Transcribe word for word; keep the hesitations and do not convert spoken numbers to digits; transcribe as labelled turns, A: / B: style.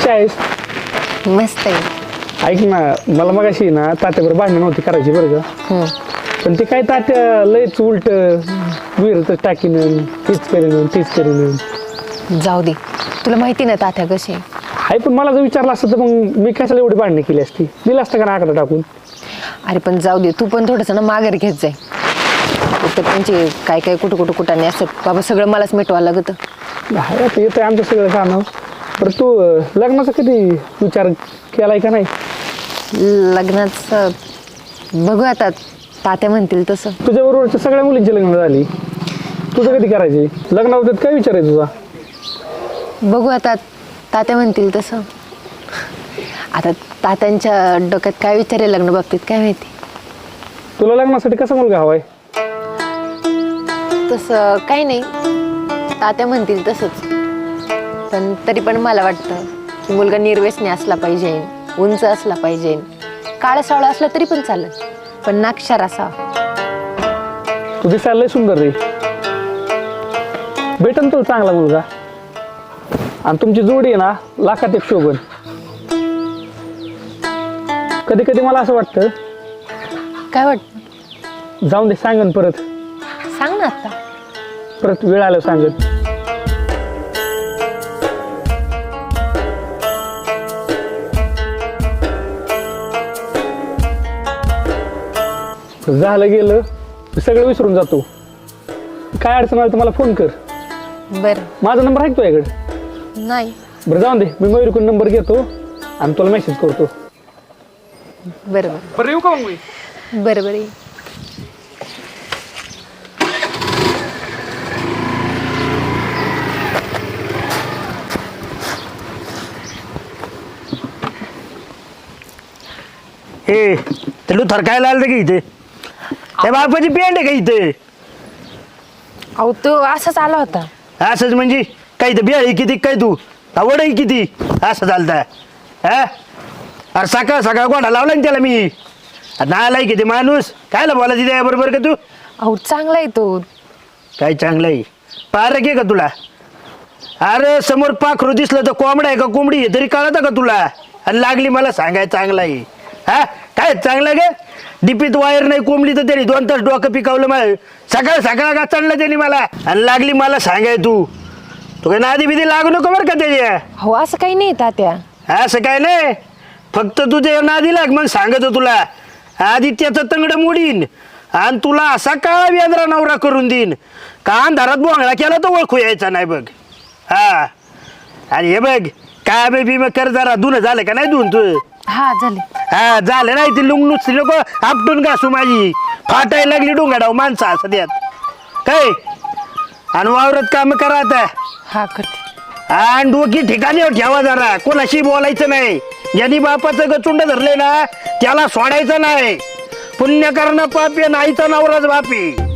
A: कशी आहेस?
B: मस्त आहे.
A: ऐक ना, मला मग अशी ना तात्याबरोबर भांडणं नव्हती करायची बरं का.
B: हम्म.
A: पण ते काय तात्या लयच उलट विहिरीतच टाकीन, तीच करीन तीच करीन.
B: जाऊ दे, तुला माहिती ना तात्या कसे.
A: हाय, पण मला जर विचारलं असतं तर मग मी कशाला एवढी भांडणं केली असती, दिलं असतं का ना आकडा टाकून.
B: अरे पण जाऊ दे, तू पण थोडंसं ना माघार घेत जाय. तर त्यांचे काय काय कुठं कुठं कुठाने असतात बाबा, सगळं मलाच मिटवावं लागतं.
A: हाय, आता येतं आमचं सगळं कामं. बरं तू लग्नाचा कधी विचार केलाय का नाही?
B: लग्नाचं बघू आता, तात्या म्हणतील तसं.
A: तुझ्या बरोबरच्या सगळ्या मुलींची लग्न झाली, तुझं कधी करायची? लग्नाबद्दल काय विचार आहे तुझा?
B: बघू आता, तात्या म्हणतील तसं. आता तात्यांच्या डोक्यात काय विचार आहे लग्न बाबतीत काय माहिती.
A: तुला लग्नासाठी कसा मुलगा हवाय?
B: तसं काही नाही, तात्या म्हणतील तसंच. पण तरी पण मला वाटतं की मुलगा निर्व्यसनी असला पाहिजे, उंच असला पाहिजे, काळा सावळा असला तरी पण चालेल, पण नाक्षर असा.
A: तू दिसायला लय सुंदर रे, भेटन तुला चांगला मुलगा. आणि तुमची जोडी आहे ना लाखात एक शोभन. कधी कधी मला असं वाटतं,
B: काय वाटतं?
A: जाऊन दे, सांगन परत.
B: सांग ना आता.
A: परत वेळ आलं सांगन. झालं गेलं, मी सगळं विसरून जातो. काय अडचण आली तर मला फोन कर.
B: बरं.
A: माझा नंबर आहे तुझ्याकडे?
B: नाही.
A: बरं जाऊन दे, मी मयूरकडून नंबर घेतो आणि तुला मेसेज करतो.
B: बरं
A: बरं येऊ का मग मी?
B: बरं बरं.
C: हे ते लुथर काय लागलं का इथे? त्या बापाची पेंड आहे का इथे?
B: अहो तो असाच आला होता.
C: असंच म्हणजे काही तर बियाळी किती काय तू आवड आहे किती असं चालतं हा? अरे सकाळ सकाळ गोडा लावला ना त्याला मी. नालाय किती माणूस कायला बोलायची त्या बरोबर का तू?
B: अहो चांगला आहे तो.
C: काय चांगलं आहे? पारक आहे का तुला? अरे समोर पाखरू दिसलं तर कोंबडा आहे का कोंबडी आहे तरी कळतं का तुला? आणि लागली मला सांगाय चांगला आहे हा? काय चांगलं गे? डिपीत वायर नाही कोंबली तर त्यांनी दोन तास डोकं पिकवलं मला. सकाळ सकाळ का चाललं त्यांनी मला आणि लागली मला सांगाय तू. तू काय नादी बिदी लागू नको बरं का त्याच्या.
B: हो असं काही नाही तात्या.
C: असं काय नाही, फक्त तुझे नादी लाग मग सांगतो तुला. आधी त्याचं तंगड मोडीन आणि तुला असा काळा वेंद्रा नवरा करून देईन का अंधारात बोंगळा केला तर ओळखू यायचा नाही बघ. हा आणि हे बघ काय बेबी मग कर जरा धुणं झालं का नाही धुन तू?
B: हा झाले.
C: हा झालं नाही ती लुंग नुसती नको आपटून घासू माझी. फाटायला लागली डोंगाडाव माणसा असं त्यात काय. आणि वावरत काम करा आता.
B: हा करते.
C: आणि डोकी ठिकाणी ठेवा जरा, कोणाशी बोलायचं नाही. ज्यांनी बापाचं गचुंड धरले ना त्याला सोडायचं नाही. पुण्य करणं पापी नाहीचा नवराच बापी.